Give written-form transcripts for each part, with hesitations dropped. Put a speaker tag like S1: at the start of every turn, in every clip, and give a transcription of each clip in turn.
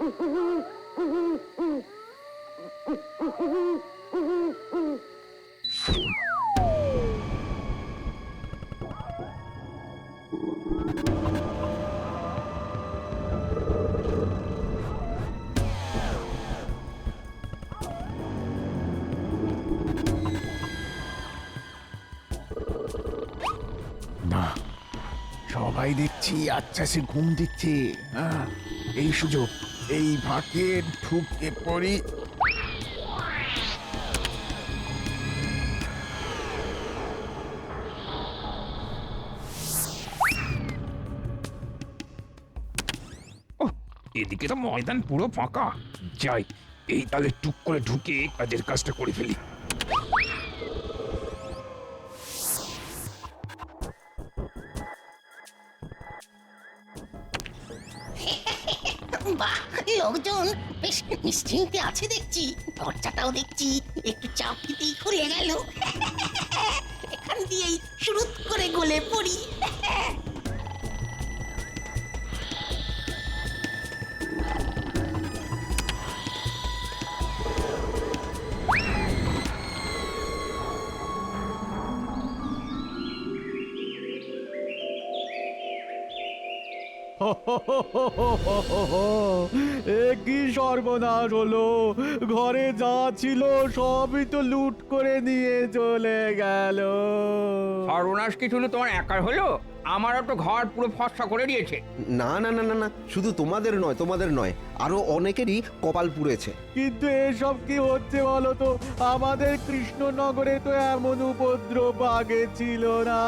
S1: না, সবাই দেখছি আচ্ছা সে ঘুম দিচ্ছে। হ্যাঁ, এই সুযোগ, এই ফাঁকে ঢুকে পড়ি।
S2: এদিকে তো ময়দান পুরো ফাঁকা। যাই, এই তালে টুক করে ঢুকে কাজের কাজটা করে ফেলি।
S3: বাহ, লোকজন বেশ নিশ্চিন্তে আছে দেখছি। দরজাটাও দেখছি একটু চাপ দিতেই খুলে গেল। এখান দিয়েই শুরু করে গলে পড়ি।
S4: এ কি সর্বনাশ হলো! ঘরে যা ছিল সবই তো লুট করে নিয়ে চলে গেল।
S5: সর্বনাশ কি শুধু তোমার একার হলো? আমারও তো ঘর পুরো ফসফা করে দিয়েছে।
S6: না না না না না, শুধু তোমাদের নয়, আরো অনেকেরই কপাল পুড়েছে।
S4: কিন্তু এসব কি হচ্ছে বলো তো? আমাদের কৃষ্ণনগরে তো এমন উপদ্রব আগে ছিল না।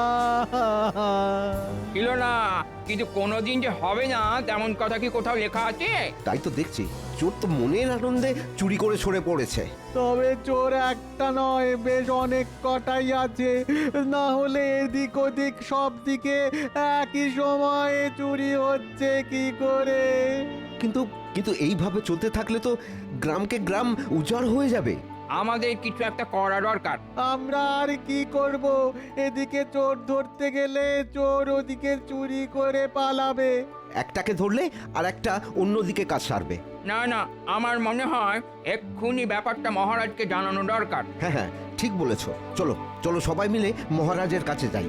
S5: ছিল না, কিন্তু কোনোদিন যে হবে না তেমন কথা কি কোথাও লেখা আছে?
S6: তাই তো দেখছি, চোর তো মনের আনন্দে চুরি করে সরে পড়েছে।
S4: তবে চোর একটা নয়, বেশ অনেক কটাই আছে। না হলে এদিক ওদিক সব দিকে একই সময়ে চুরি হচ্ছে কি করে?
S6: কিন্তু কিন্তু এইভাবে চলতে থাকলে তো গ্রামকে গ্রাম উজাড় হয়ে যাবে।
S5: আমাদের কিছু একটা করা দরকার।
S4: আমরা আর কি করব? এদিকে চোর ধরতে গেলে চোর ওদিকে চুরি করে পালাবে।
S6: একটাকে ধরলে আর একটা অন্যদিকে কাজ সারবে।
S5: না না, আমার মনে হয় এক্ষুনি ব্যাপারটা মহারাজকে জানানো দরকার।
S6: হ্যাঁ হ্যাঁ, ঠিক বলেছ। চলো চলো, সবাই মিলে মহারাজের কাছে যাই।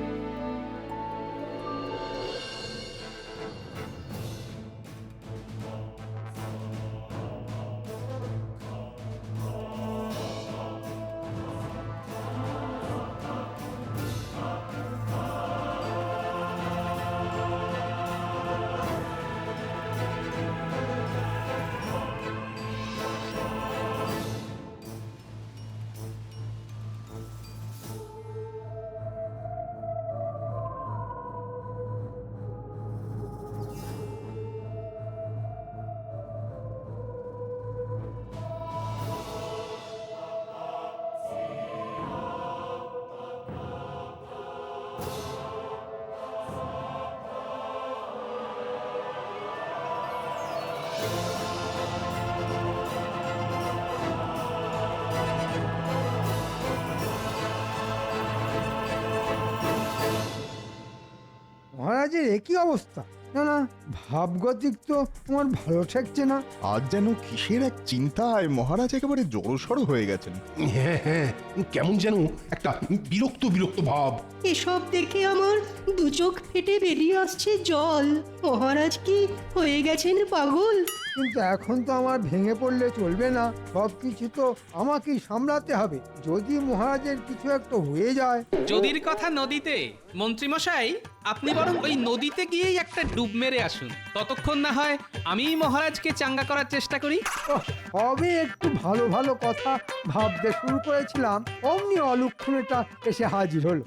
S7: মহারাজের একই অবস্থা। না না, ভাবগতিক তো আমার ভালো ঠেকছে না।
S1: আজ যেন কিসের এক চিন্তায় মহারাজ একেবারে জড়সড় হয়ে গেছেন।
S8: হ্যাঁ হ্যাঁ, কেমন যেন একটা বিরক্ত বিরক্ত ভাব।
S9: এসব দেখে আমার দু চোখ ফেটে বেরিয়ে আসছে জল। মহারাজ কি হয়ে গেছেন পাগল?
S7: কিন্তু এখন তো আমার ভেঙে পড়লে চলবে না, সবকিছু তো আমাকেই সামলাতে হবে। যদি মহারাজের কিছু একটা হয়ে যায়।
S10: যদির কথা নদীতে, মন্ত্রীমশাই আপনি বরং ওই নদীতে গিয়েই একটা ডুব মেরে আসুন। ততক্ষণ না হয় আমি মহারাজকে চাঙ্গা করার চেষ্টা করি।
S7: সবে একটু ভালো ভালো কথা ভাবতে শুরু করেছিলাম, অমনি অলক্ষণেটা এসে হাজির হলো।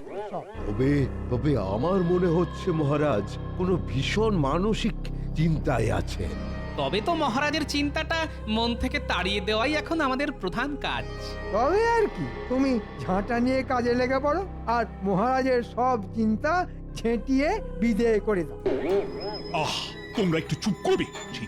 S11: তবে তবে আমার মনে হচ্ছে মহারাজ কোনো ভীষণ মানসিক চিন্তায় আছেন।
S10: তবে তো মহারাজের চিন্তাটা মন থেকে তাড়িয়ে দেওয়াই এখন আমাদের প্রধান কাজ।
S7: তবে আর কি, তুমি ঝাঁটা নিয়ে কাজে লেগে পড়ো আর মহারাজের সব চিন্তা ঝেঁটিয়ে বিদেয় করে দাও।
S8: আহ, তোমরা একটু চুপ করবে। সেই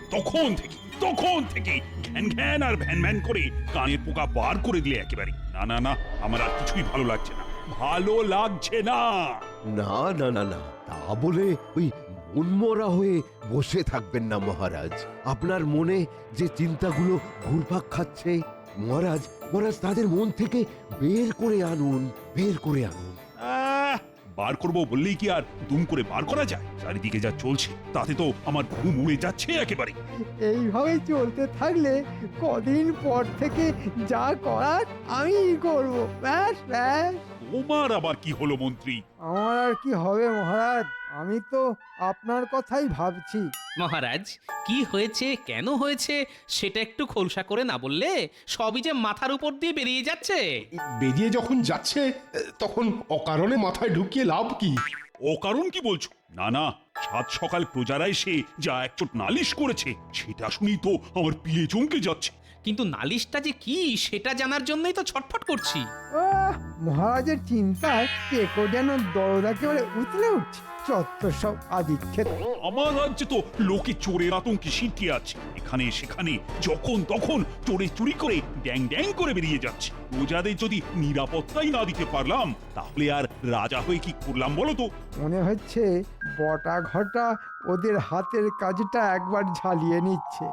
S8: তখন থেকে ঘ্যান ঘ্যান আর ভ্যান ভ্যান করে কানের পোকা বার করে দিলে একেবারে। না না না, আমার আর কিছুই ভালো লাগছে না, ভালো লাগছে না।
S11: না না না না, তা বলে ওই উন্মরা হয়ে বসে থাকবেন না মহারাজ। আপনার মনে যে চিন্তাগুলো ঘুরপাক খাচ্ছে, মহারাজ মহারাজ তাদের মন থেকে বের করে আনুন, বের করে আনুন।
S8: বার করবো বললেই কি আর দুম করে বার করা যায়? চারিদিকে যা চলছে তাতে তো আমার ঘুম উড়ে যাচ্ছে একেবারে।
S7: এইভাবে চলতে থাকলে কদিন পর থেকে যা করার আমি করব। ব্যাস ব্যাস।
S8: তোমার আবার কি হলো মন্ত্রী?
S7: আমার আর কি হবে মহারাজ, আমি তো আপনার কথাই ভাবছি।
S10: মহারাজ কি হয়েছে কেন হয়েছে সেটা একটু খোলসা করে না বললে সবই যে মাথার উপর দিয়ে বেরিয়ে যাচ্ছে।
S12: বেরিয়ে যখন যাচ্ছে তখন অকারণে মাথায় ঢুকিয়ে লাভ কি?
S8: ও কারণ কি বলছো? না না, সাত সকাল প্রজারা এসে যা একচোট নালিশ করেছে সেটা শুনি তো আমার পিয়ে চমকে যাচ্ছে।
S10: কিন্তু নালিশটা যে কি সেটা জানার জন্যই তো ছটফট করছি।
S7: মহারাজের চিন্তায় কেকো যেন দরদ একেবারে উতলে উঠছে। চত্বর সব আদিক্ষেত।
S8: আমার রাজ্যে তো লোকে চোরের আতঙ্কে সিটিয়ে আছে, এখানে সেখানে যখন তখন চোরে চুরি করে ড্যাং ড্যাং করে বেরিয়ে যাচ্ছে। প্রজাদের যদি নিরাপত্তাই না দিতে পারলাম তাহলে আর রাজা হয়ে কি করলাম বলো তো?
S7: মনে হচ্ছে বটা ঘটা ওদের হাতের কাজটা একবার ঝালিয়ে নিচ্ছে।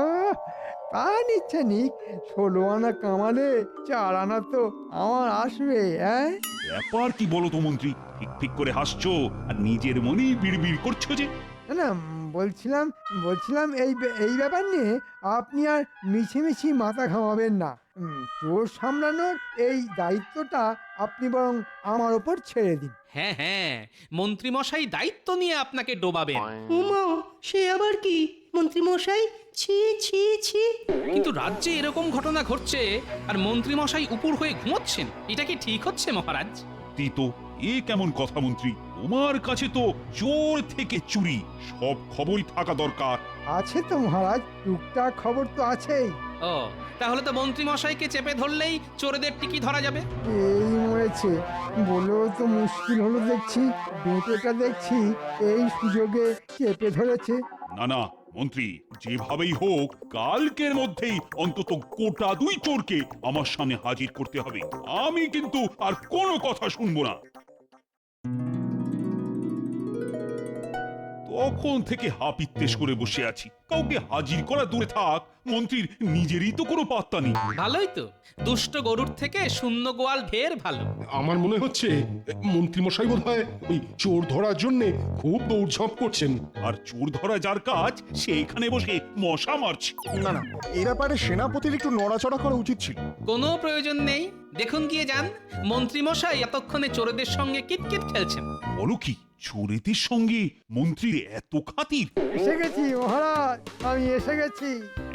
S7: তা নিচ্ছে নিক, 16 আনা কামালে 4 আনা তো আমার আসবে।
S8: ব্যাপার কি বলো তো মন্ত্রী? ঠিক ঠিক করে হাসছো আর নিজের মনেই বিড়বিড় করছো যে।
S7: না বলছিলাম এই ব্যাপার নিয়ে আপনি আর মিছিমিছি মাথা ঘামাবেন না। চোর সামলানোর এই দায়িত্বটা আপনি বরং আমার ওপর ছেড়ে দিন।
S10: হ্যাঁ হ্যাঁ, মন্ত্রী মশাই দায়িত্ব নিয়ে আপনাকে ডোবাবেন।
S9: উমা, সে আবার কি মন্ত্রী মশাই? ছি ছি ছি।
S10: কিন্তু রাজ্যে এরকম ঘটনা ঘটছে আর মন্ত্রী মশাই উপর হয়ে ঘুমোচ্ছেন, এটা কি ঠিক হচ্ছে মহারাজ?
S8: তো এ কেমন কথা মন্ত্রী? তোমার কাছে তো চোর থেকে চুরি সব খবরই থাকা দরকার।
S7: আছে তো মহারাজ, টুকটাক খবর তো আছেই।
S10: ও, তাহলে তো মন্ত্রী মশাইকে চেপে ধরলেই চোরেদের টিকি ধরা যাবে।
S7: এই মরেছে বলেও তো মুশকিল হলো দেখছি। বেটেটা দেখছি এই সুযোগে চেপে ধরেছে।
S8: না না মন্ত্রী, যেভাবেই হোক কালকের মধ্যেই অন্তত গোটা 2 চোরকে আমার সামনে হাজির করতে হবে। আমি কিন্তু আর কোনো কথা শুনবো না। তখন থেকে হাপিত্তেশ করে বসে আছি, কাউকে হাজির করা দূরে থাক, মন্ত্রীর নিজেরই তো কোনো পাত্তা নেই।
S10: ভালোই তো, দুষ্ট গরুর থেকে শূন্য গোয়াল ঢের ভালো।
S12: আমার মনে হচ্ছে মন্ত্রী মশাই বোধহয় ওই চোর ধরার জন্য খুব দৌড়ঝাঁপ করছেন।
S8: আর চোর ধরা যার কাজ সে এখানে বসে মশা মারছে।
S1: না না, এই ব্যাপারে সেনাপতির একটু নড়াচড়া করা উচিত ছিল।
S10: কোনো প্রয়োজন নেই, দেখুন গিয়ে যান। মন্ত্রী মশাই এতক্ষণে চোরেদের সঙ্গে কিটকিট খেলছেন।
S8: বলো কি, চোরেদের সঙ্গে মন্ত্রীর এত খাতির?
S7: এসে গেছি মহারাজ, আমি এসে গেছি।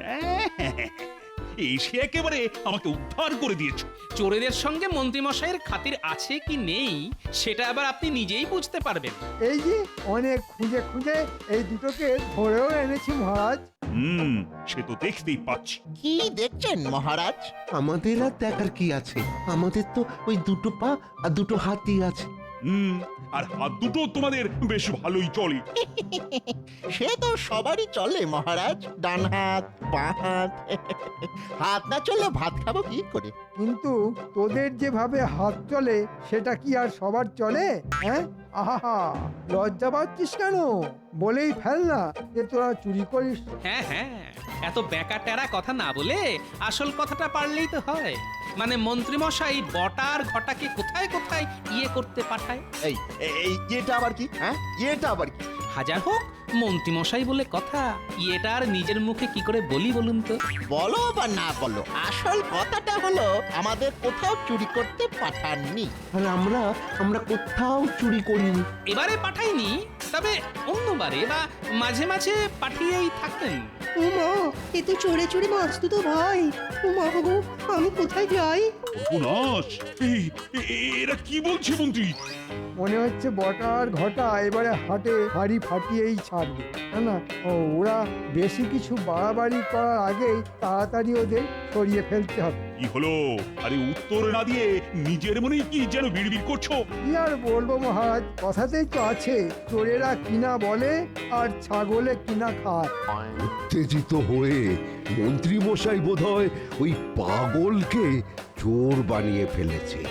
S8: এসে একেবারে আমাকে উদ্ধার করে দিয়েছো।
S10: চোরেদের সঙ্গে মন্ত্রী মশাইয়ের খাতির আছে কি নেই সেটা আবার আপনি নিজেই বুঝতে পারবেন।
S7: এই যে অনেক খুঁজে খুঁজে এই দুটোকে ধরেও এনেছি মহারাজ।
S8: সে তো দেখতেই পাচ্ছি।
S3: কি দেখছেন মহারাজ?
S6: আমাদের আর দেখার কি আছে? আমাদের তো ওই 2 পা আর 2 হাতই আছে।
S8: আর হাত দুটো তোমাদের বেশ ভালোই চলে।
S3: সে তো সবারই চলে মহারাজ, ডান হাত বাঁ হাত। হাত না চললে ভাত খাবো কি করে?
S7: কিন্তু তোদের যেভাবে হাত চলে সেটা কি আর সবার চলে? আহা, লজ্জা পাচ্ছিস কেন? বলেই ফেল না যে তোরা চুরি করিস।
S10: হ্যাঁ হ্যাঁ, এত বেকা টেরা কথা না বলে আসল কথাটা পারলেই তো হয়। মানে মন্ত্রী মশাই বটার ঘটাকে কোথায় কোথায় করতে পাঠায়।
S1: এটা আবার কি? এটা আবার কি?
S10: হাজার হোক মন্ত্রী মশাই বলে কথা, এটা আর নিজের মুখে কি করে বলি বলুন তো?
S3: বলো বা না বলো, আসল কথাটা হলো আমাদের কোথাও চুরি করতে পাঠাননি।
S6: আর আমরা কোথাও চুরি করিনি।
S10: এবারে পাঠাইনি, তবে অন্যবারে বা মাঝে মাঝে পাঠিয়েই থাকতেন।
S9: উমা, এ তো চোরে চোরে বাঁচতো তো ভাই। উমা গো, আমি কোথায় যাই?
S8: সর্বনাশ! এরা কি বলছে মন্ত্রী?
S7: মনে হচ্ছে বটার ঘটা এবারে হাটে হাড়ি ফাটিয়েই ছাড়বে। না, ওরা বেশি কিছু বাড়াবাড়ি করার আগেই তাড়াতাড়ি ওদের সরিয়ে ফেলতে হবে।
S8: কি হলো? আরে উত্তর না দিয়ে নিজের মনেই কি যেন বিড়বিড় করছো?
S7: কি আর বলবো মহারাজ, কথাতেই তো আছে চোরেরা কিনা বলে আর ছাগলে কিনা খায়।
S11: উত্তেজিত হয়ে মন্ত্রী মশাই বোধহয় ওই পাগলকে চোর বানিয়ে ফেলেছে।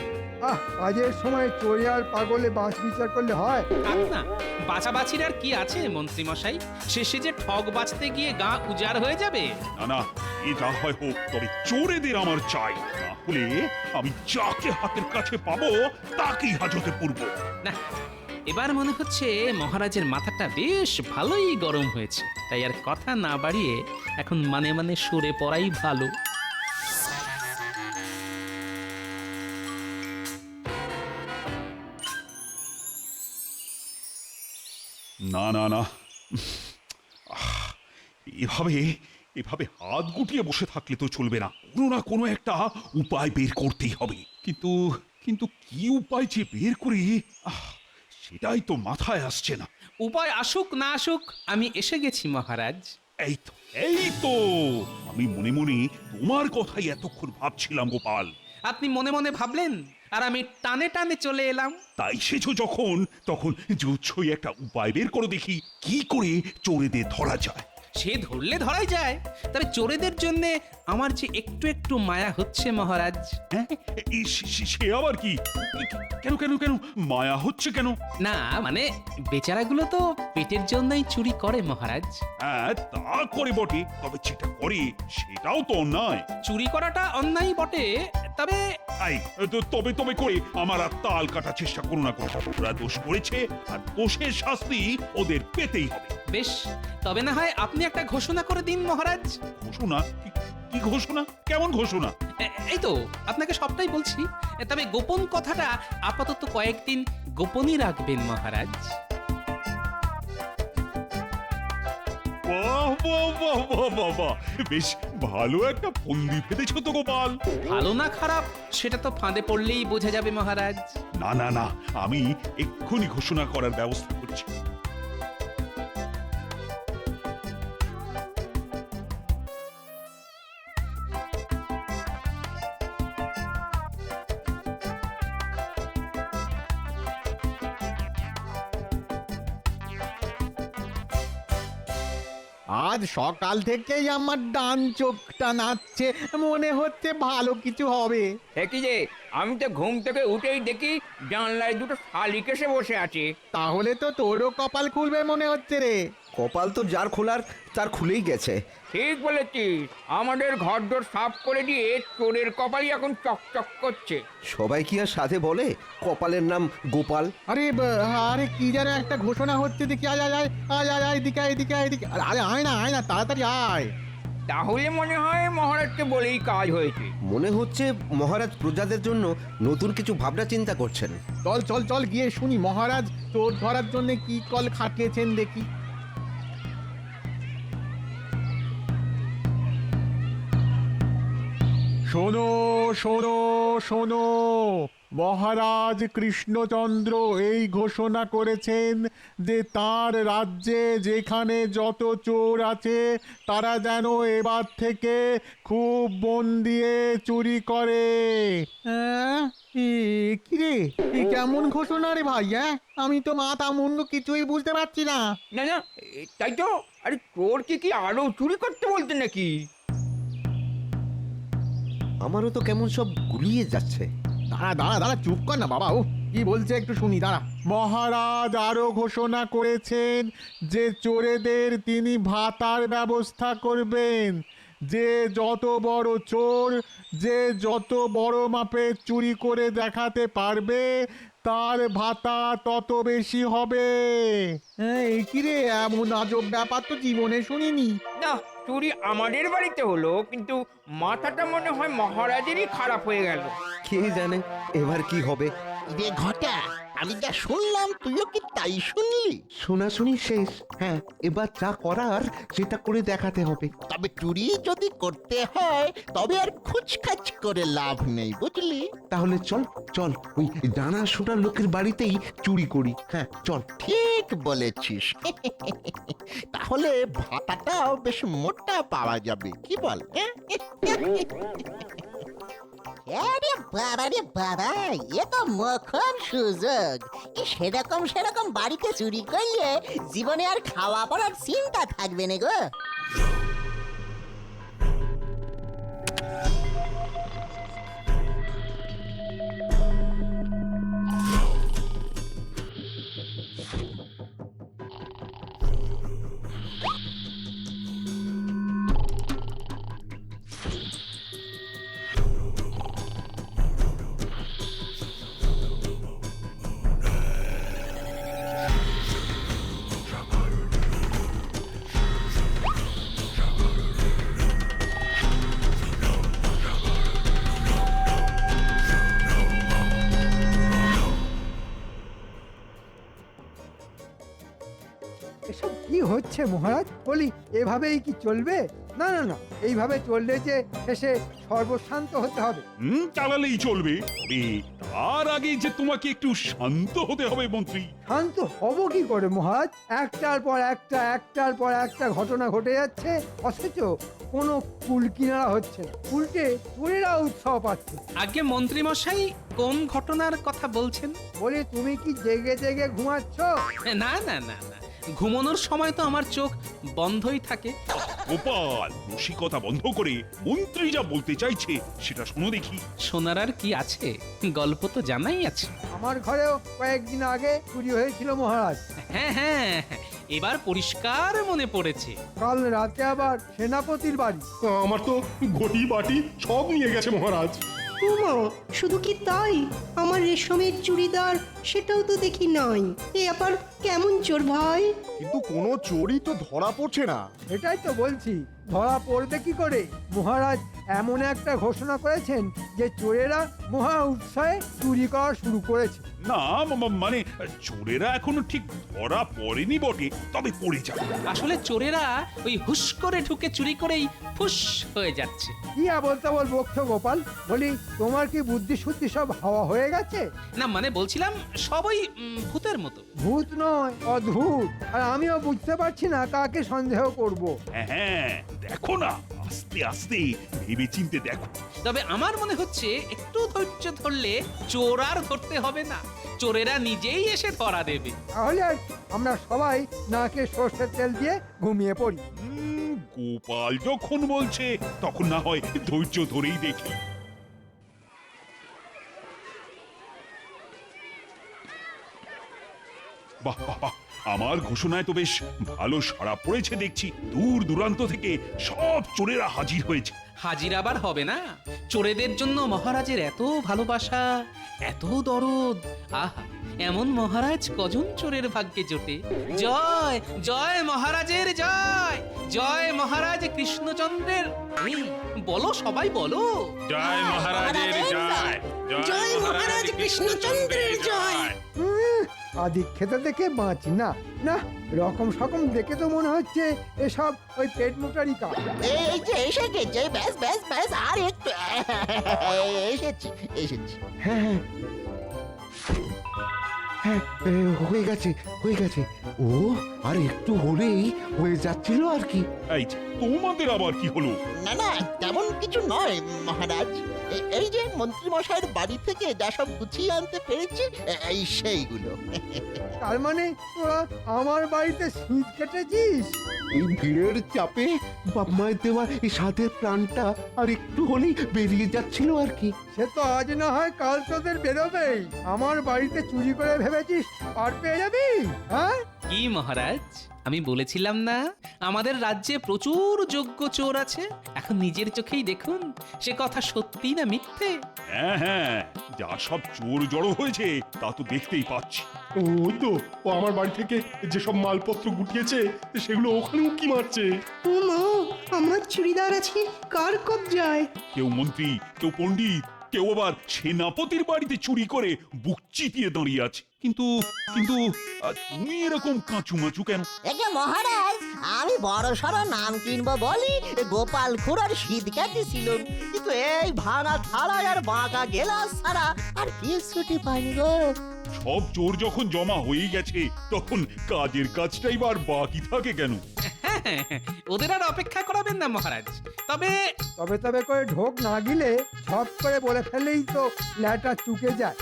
S7: কাজের সময় চোরে আর পাগলে বাস বিচার করলে হয়?
S10: থাক না, বাছাবাছির আর কি আছে মন্ত্রীমশাই? শেষে যে ঠগ বাঁচতে গিয়ে গা উজাড় হয়ে যাবে।
S8: না না, এ যা হয় হোক, তবে চোরেদের আমার চাই, না হলে আমি যাকে হাতের কাছে পাবো তাকেই হাজতে পড়ব।
S10: না, এবার মনে হচ্ছে মহারাজের মাথাটা বেশ ভালোই গরম হয়েছে, তাই আর কথা না বাড়িয়ে এখন মানে মানে সরে পড়াই ভালো।
S8: না না না, এভাবে এভাবে হাত গুটিয়ে বসে থাকলে তো চলবে না, কোনো না কোনো একটা উপায় বের করতেই হবে। কিন্তু কিন্তু কি উপায় যে বের করি, সেটাই তো মাথায় আসছে না।
S10: উপায় আসুক না আসুক, আমি এসে গেছি মহারাজ।
S8: এই তো এই তো, আমি মনে মনে তোমার কথাই এতক্ষণ ভাবছিলাম গোপাল।
S10: আপনি মনে মনে ভাবলেন আর আমি টানে টানে চলে এলাম।
S8: তাই সেছো যখন, তখন জুচ্ছই একটা উপায় বের করে দেখি, কি করে চোরেদের ধরা যায়।
S10: সে ধরলে ধরাই যায়, তবে চোরেদের জন্য আমার যে একটু একটু মায়া হচ্ছে মহারাজ।
S8: হ্যাঁ, সে আবার কি? কেন কেন কেন মায়া হচ্ছে কেন?
S10: না মানে বেচারাগুলো তো পেটের জন্যই চুরি করে মহারাজ।
S8: হ্যাঁ, তা করে বটে, তবে যেটা করে সেটাও তো অন্যায়।
S10: চুরি করাটা অন্যায় বটে, তবে
S8: তবে তবে করে আমার আর তাল কাটার চেষ্টা করো না। ওরা দোষ করেছে আর দোষের শাস্তি ওদের পেতেই হবে।
S10: বেশ, তবে না হয় আপনি একটা ঘোষণা করে দিন মহারাজ।
S8: ঘোষণা? কি ঘোষণা? কেমন ঘোষণা?
S10: এই তো আপনাকে সবটাই বলছি, তবে গোপন কথাটা আপাতত কয়েকদিন গোপনই রাখবেন মহারাজ।
S8: বাহ বাহ বাহ বাহ বাহ বাহ, বেশ ভালো একটা ফন্দি ফেলেছো তো গোপাল।
S10: ভালো না খারাপ সেটা তো ফাঁদে পড়লেই বোঝা যাবে মহারাজ।
S8: না না না, আমি এক্ষুনি ঘোষণা করার ব্যবস্থা করছি।
S4: আজ সকাল থেকেই আমার ডান চোখটা নাচছে, মনে হচ্ছে ভালো কিছু হবে।
S5: কি যে আমি তো ঘুম থেকে উঠেই দেখি জানলায় দুটো শালিক এসে বসে আছে।
S4: তাহলে তো তোরও কপাল খুলবে মনে হচ্ছে রে।
S6: কপাল তো যার খোলার তার খুলেই গেছে।
S5: ঠিক বলেছিস, আমাদের ঘরদোর সাফ করে দিয়ে চোরের কপালই এখন চকচক করছে।
S6: সবাই কি আর সাথে বলে কপালের নাম গোপাল?
S4: আরে আরে কি যেন একটা ঘোষণা হচ্ছে, দেখি আয় আয় আয় আয় আয় আয় এদিকে এদিকে এদিকে, আরে আয় না তাড়াতাড়ি আয়।
S5: তাহলে মনে হয় মহারাজকে বলেই কাজ হয়েছে।
S6: মনে হচ্ছে মহারাজ প্রজাদের জন্য নতুন কিছু ভাবনা চিন্তা করছেন।
S4: চল চল চল গিয়ে শুনি মহারাজ চোর ধরার জন্য কি কল খাটিয়েছেন দেখি। শোনো শোনো শোনো, মহারাজ কৃষ্ণচন্দ্র এই ঘোষণা করেছেন যে তার রাজ্যে যেখানে যত চোর আছে তারা যেন এবার থেকে খুব মন দিয়ে চুরি করে। কি রে, কেমন ঘোষণা রে ভাই? আমি তো মাথা মুন্ডু কিছুই বুঝতে পারছি না।
S5: না না, তাই তো। আরে চোর কি আরো চুরি করতে বলতে নাকি?
S6: আমারও তো কেমন সব গুলিয়ে যাচ্ছে।
S4: দাঁড়া দাঁড়া দাঁড়া, চুপ কর না বাবা, ও কি বলছে একটু শুনি, দাঁড়া। মহারাজ আরো ঘোষণা করেছেন যে চোরেদের তিনি ভাতার ব্যবস্থা করবেন। যে যত বড় চোর, যে যত বড় মাপে চুরি করে দেখাতে পারবে তার ভাতা তত বেশি হবে। এই কি রে, এমন আজব ব্যাপার তো জীবনে শুনিনি।
S5: না, চুরি আমাদের বাড়িতে হলো, কিন্তু মাথাটা মনে হয় মহারাজেরই খারাপ হয়ে গেল।
S6: কে জানে এবার কি হবে।
S3: রে ঘটা, আমি যা শুনলাম তুইও কি তাই শুনলি?
S11: শোনাশুনি শেষ। হ্যাঁ, এবার যা করার সেটা করে দেখাতে হবে।
S3: তবে চুরি যদি করতে হয় তবে আর খুচখাচ করে লাভ নেই, বুঝলি?
S11: তাহলে চল চল ওই জানা শোনা লোকের বাড়িতেই চুরি করি। হ্যাঁ চল।
S3: ঠিক বলেছিস। তাহলে ভাতাটাও বেশ মোটা পাওয়া যাবে, কি বল? আরে বাবা রে বাবা, এ তো মোক্ষম সুযোগ। সেরকম বাড়িতে চুরি করলে জীবনে আর খাওয়া পড়ার চিন্তা থাকবে না গো।
S7: কি হচ্ছে মহারাজ? বলি এভাবেই কি চলবে? না না না, এইভাবে চললে যে শেষে সর্বশান্ত হতে হবে।
S8: চালালেই চলবে, তবে তার আগে যে তোমাকে একটু শান্ত হতে হবে মন্ত্রী।
S7: শান্ত হব কি করে মহারাজ? একটার পর একটা ঘটনা ঘটে যাচ্ছে, অথচ কোনো কুল কিনারা হচ্ছে না। উল্টে চোরেরা উৎসাহ পাচ্ছে।
S10: আগে মন্ত্রী মশাই কোন ঘটনার কথা বলছেন?
S7: বলি তুমি কি জেগে জেগে ঘুমাচ্ছ?
S10: না না না না, ঘুমানোর সময় তো আমার চোখ বন্ধই থাকে।
S8: গোপাল, রসিকতা বন্ধ করে মন্ত্রী যা বলতে চাইছে সেটা শোনো দেখি।
S10: শোনার আর কি আছে, গল্প তো জানাই আছে।
S7: আমার ঘরেও কয়েকদিন আগে চুরি হয়েছিল মহারাজ।
S10: হ্যাঁ হ্যাঁ, এবার পরিষ্কার মনে পড়েছে।
S7: কাল রাতে আবার সেনাপতির বাড়ি।
S12: আমার তো ঘটি বাটি সব নিয়ে গেছে মহারাজ।
S9: উমা, শুধু কি তাই? আমার রেশমের চুড়িদার সেটাও তো দেখি নাই। এ আবার কেমন চোর ভাই?
S4: কিন্তু কোনো চোরই তো ধরা পড়ছে না।
S7: এটাই তো বলছি, ধরা পড়বে কি করে? মহারাজ এমন একটা ঘোষণা করেছেন যে চোরেরা মহা উৎসাহে চুরি করা শুরু করেছে।
S8: না মানে চোরেরা এখনো ঠিক ধরা পড়েনি বটে, তবে পড়ে যাবে।
S10: আসলে চোরেরা ওই হুশ করে ঢুকে চুরি করেই ফুস হয়ে যাচ্ছে।
S7: কি বলতে বকছো গোপাল? বলি তোমার কি বুদ্ধি শুদ্ধি সব হাওয়া হয়ে গেছে?
S10: না মানে বলছিলাম সবই ভূতের মতো।
S7: ভূত নয়, অদ্ভুত। আর আমিও বুঝতে পারছি না কাকে সন্দেহ করব।
S8: হ্যাঁ, দেখো না, আস্তে আস্তে ভেবে চিনতে দেখো।
S10: তবে আমার মনে হচ্ছে একটু ধৈর্য ধরলে চোর আর ধরতে হবে না, চোরেরা নিজেই এসে ধরা দেবে।
S7: তাহলে আর আমরা সবাই নাকে সর্ষের তেল দিয়ে ঘুমিয়ে পড়ি।
S8: গোপাল যখন বলছে তখন না হয় ধৈর্য ধরেই দেখি। বাহ বাহ বাহ, আমার ঘোষণায় তো বেশ ভালো সাড়া পড়েছে দেখছি। দূর দূরান্ত থেকে সব চোরেরা হাজির হয়েছে।
S10: হাজির আবার হবে না? চোরেদের জন্য মহারাজের এত ভালোবাসা, এত দরদ। আহা, এমন মহারাজ কজন চোরের ভাগ্যে জোটে। জয় জয় মহারাজের জয়, জয় মহারাজ কৃষ্ণচন্দ্রের। এই, বলো সবাই বলো।
S2: জয় মহারাজের জয়,
S3: জয় মহারাজ কৃষ্ণচন্দ্রের জয়।
S7: আদি খেতে দেখে বাঁচি না। না, রকম সকম দেখে তো মনে হচ্ছে এসব ওই পেট মোটারি কাজ।
S3: এই যে এসে গেছে, ব্যাস ব্যাস ব্যাস, আর একটু এসেছি এসেছি।
S11: হ্যাঁ হ্যাঁ, হয়ে গেছে হয়ে গেছে। ও আর একটু হলেই হয়ে যাচ্ছিল আর কি।
S8: এই যে, তোমাদের আবার কি হলো?
S3: না না, তেমন কিছু নয় মহারাজ। এই যে মন্ত্রী মশাইয়ের বাড়ি থেকে যা সব গুছিয়ে আনতে পেরেছি, এই সেইগুলো।
S7: তার মানে তোরা আমার বাড়িতে শীত কেটেছিস?
S11: এই ভিড়ের চাপে বাপ মায়ের দেওয়া এই সাধের প্রাণটা আর একটু হলেই বেরিয়ে যাচ্ছিল আর কি।
S7: সে তো আজ না হয় কাল তোদের বেরোবেই। আমার বাড়িতে চুরি করে ভেবেছিস আর পেয়ে যাবি? হ্যাঁ
S10: কি মহারাজ, আমি বলেছিলাম না আমাদের রাজ্যে প্রচুর যোগ্য চোর আছে। এখন নিজের চোখেই দেখুন সে কথা সত্যি না মিথ্যে।
S8: হ্যাঁ হ্যাঁ, যা সব চোর জড়ো হয়েছে তা তো দেখতেই পাচ্ছি।
S12: ওই তো, ও আমার বাড়ি থেকে যেসব মালপত্র গুটিয়েছে সেগুলো ওখানে উকি মারছে।
S9: উমা, আমার চুড়িদার আছে কার কবজায়?
S8: কেউ মন্ত্রী, কেউ পণ্ডিত, কেউ আবার সেনাপতির বাড়িতে চুরি করে বুক চিতিয়ে দাঁড়িয়ে আছে। কিন্তু কিন্তু তুমি এরকম কাঁচুমাচু কেন?
S3: একে মহারাজ, আমি বড় সড় নাম কিনবো বলি গোপাল খুড়ার শীত কাটিছিল, কিন্তু এই ভাঙা থালা আর বাঁকা গেলাস ছাড়া আর কিছুটি পাইনি গো।
S8: সব চোর যখন জমা হয়ে গেছে তখন কাজের কাজটাই বার বাকি থাকে কেন?
S10: ওদের আর অপেক্ষা করাবেন না মহারাজ। তবে
S7: তবে তবে করে ঢোক না গিলে ঝপ করে বলে ফেলেই তো ল্যাটা চুকে যায়।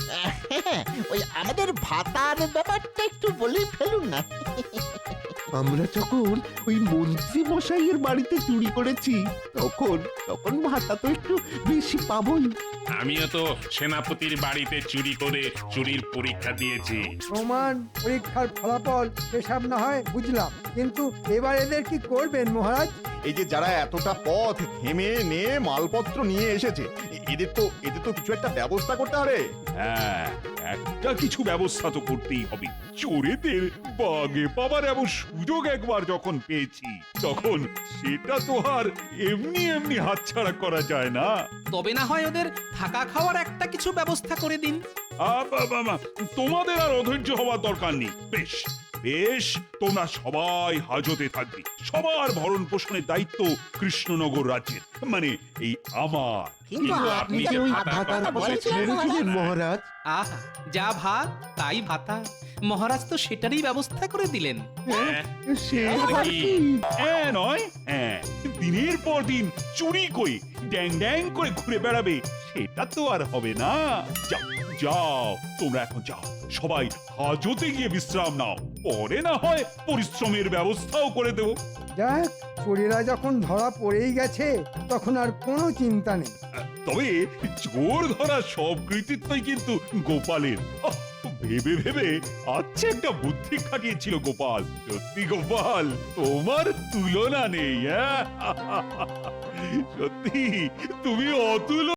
S3: ওই আমাদের ভাতার ব্যাপারটা একটু বলে ফেলুন না।
S11: আমরা যখন ওই মন্ত্রী মশাইয়ের বাড়িতে চুরি করেছি তখন তখন ভাতা তো একটু বেশি পাবই।
S2: আমিও তো সেনাপতির বাড়িতে চুরি করে চুরির পরীক্ষা দিয়েছি।
S7: প্রমাণ পরীক্ষার ফলাফল সেসব না হয় বুঝলাম, কিন্তু এবার এদের কি করবেন মহারাজ?
S4: এই যে যারা এতটা পথ ঘেমে নিয়ে মালপত্র নিয়ে এসেছে, এদের তো কিছু একটা ব্যবস্থা করতে হবে।
S8: হ্যাঁ, একটা কিছু ব্যবস্থা তো করতেই হবে। চোরেদের বাগে পাবার এমন সুযোগ একবার যখন পেয়েছি তখন সেটা তো আর এমনি এমনি হাতছাড়া করা যায় না।
S10: তবে না হয় ওদের থাকা খাওয়ার একটা কিছু ব্যবস্থা করে দিন।
S8: তোমাদের আর অধৈর্য হওয়ার দরকার নেই। বেশ, বেশ, তোমরা সবাই হাজতে থাকবে। সবার ভরণ পোষণের দায়িত্ব কৃষ্ণনগর রাজ্যের, মানে এই আমার।
S3: কিন্তু আপনি যে ওই
S11: ভাতার কথা ছেড়ে দিলেন মহারাজ।
S10: আহা, যা ভাত তাই ভাতা। মহারাজ তো সেটারই ব্যবস্থা করে দিলেন।
S11: সে
S8: আবার কি? হ্যাঁ নয়, হ্যাঁ, দিনের পর দিন চুরি করে ড্যাং ড্যাং করে ঘুরে বেড়াবে, সেটা তো আর হবে না। যাও যাও, তোমরা এখন যাও, সবাই হাজতে গিয়ে বিশ্রাম নাও, পরে না হয় পরিশ্রমের ব্যবস্থাও করে দেবো।
S7: যাক, চোরেরা যখন ধরা পড়েই গেছে তখন আর কোনো চিন্তা নেই।
S8: তবে চোর ধরা সব কৃতিত্বই কিন্তু গোপালের। আহ, ভেবে ভেবে আচ্ছা একটা বুদ্ধি খাটিয়েছিল গোপাল। সত্যি গোপাল, তোমার তুলনা নেই। হ্যাঁ, সত্যি তুমি অতুল।